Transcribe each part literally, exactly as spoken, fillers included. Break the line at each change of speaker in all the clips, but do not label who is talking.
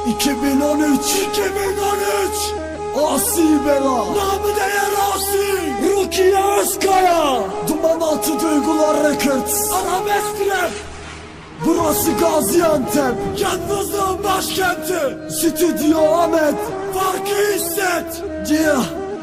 iki bin on üç iki bin on üç Asi Bela, namı değer Asi, Rukiye Özkaya, Duman Altı Duygular Records, Arabesk Rap. Burası Gaziantep, yalnızlığın başkenti. Stüdyo Ahmet, farkı hisset. Yeah.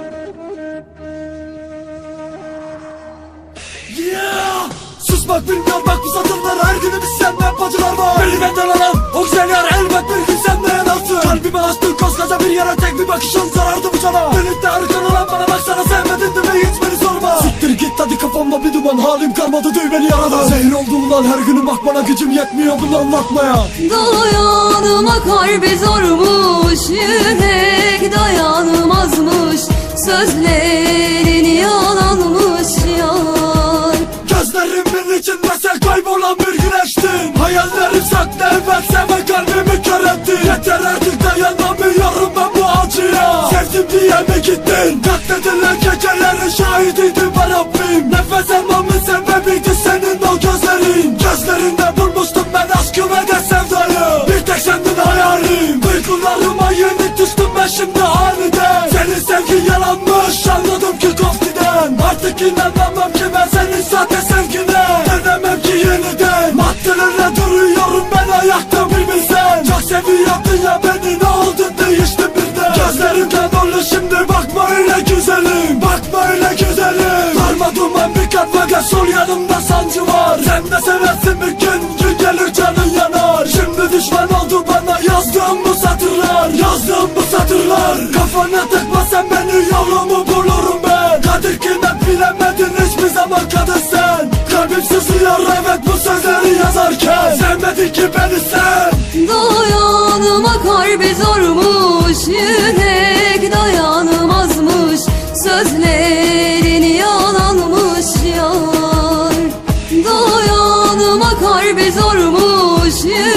Yeah. Susmak bilmiyor bak bu satırlar, her günümüz senden bacılar var. Beni benden alan o güzel yar elbet bir gün senden yanaltı. Kalbime açtın koskoca bir yere, tek bir bakışın sarardı bu cana. Birlikte arkan olan bana baksana, sevmedin de hiç beni sorma. Siktir git hadi, kafamda bir duman, halim kalmadı duy beni yaradan. Zehir oldu ulan her günüm, bak bana gücüm yetmiyor bunu anlatmaya.
Dayanıma kalbi zormuş, yürek dayanmazmış, sözlerin yalanmış yar.
Gözlerimin içinde sen kaybolan bir güneştin. Hayallerim saklı evet, seve kalbimi kör ettin. Yeter artık dayanamıyorum ben bu acıya. Sevdim diye mi gittin? Katledilen gecelerin şahidiydim ben Rabbim. Nefes almamın sebebiydi senin o gözlerin. Gözlerinde bulmuştum ben aşkı ve de sevdayı. Bir tek sendin hayalim. Duygularıma yenik düştüm ben şimdi aniden. Senin sevgin yalanmış, anladım ki koftiden. Artık inanamam ki ben senin sahte sevgine. Dönemem ki yeniden. Maddelerle duruyorum ben ayakta bir bilsen. Çok seviyordun ya beni, ne oldu değişti birden. Gözlerimden dolu şimdi, bakma öyle güzelim. Bakma öyle güzelim. Darma duman bir kat fakat sol yanımda sancı var. Sen de seversin bir gün, gün gelir canın yanar. Şimdi düşman oldu bana yazdığım bu satırlar. Yazdığım bu satırlar. Kafana takma sen beni, yolumu bulurum ben. Kadir kıymet bilemedin hiçbir zaman kadın sen. Kalbim sızlıyor evet bu sözleri yazarken. Sevmedin ki beni sen.
Dayanıma kalbi zormuş, yürek dayanmazmış, sözlerin yalanmış yar. Dayanıma kalbi zormuş, yürek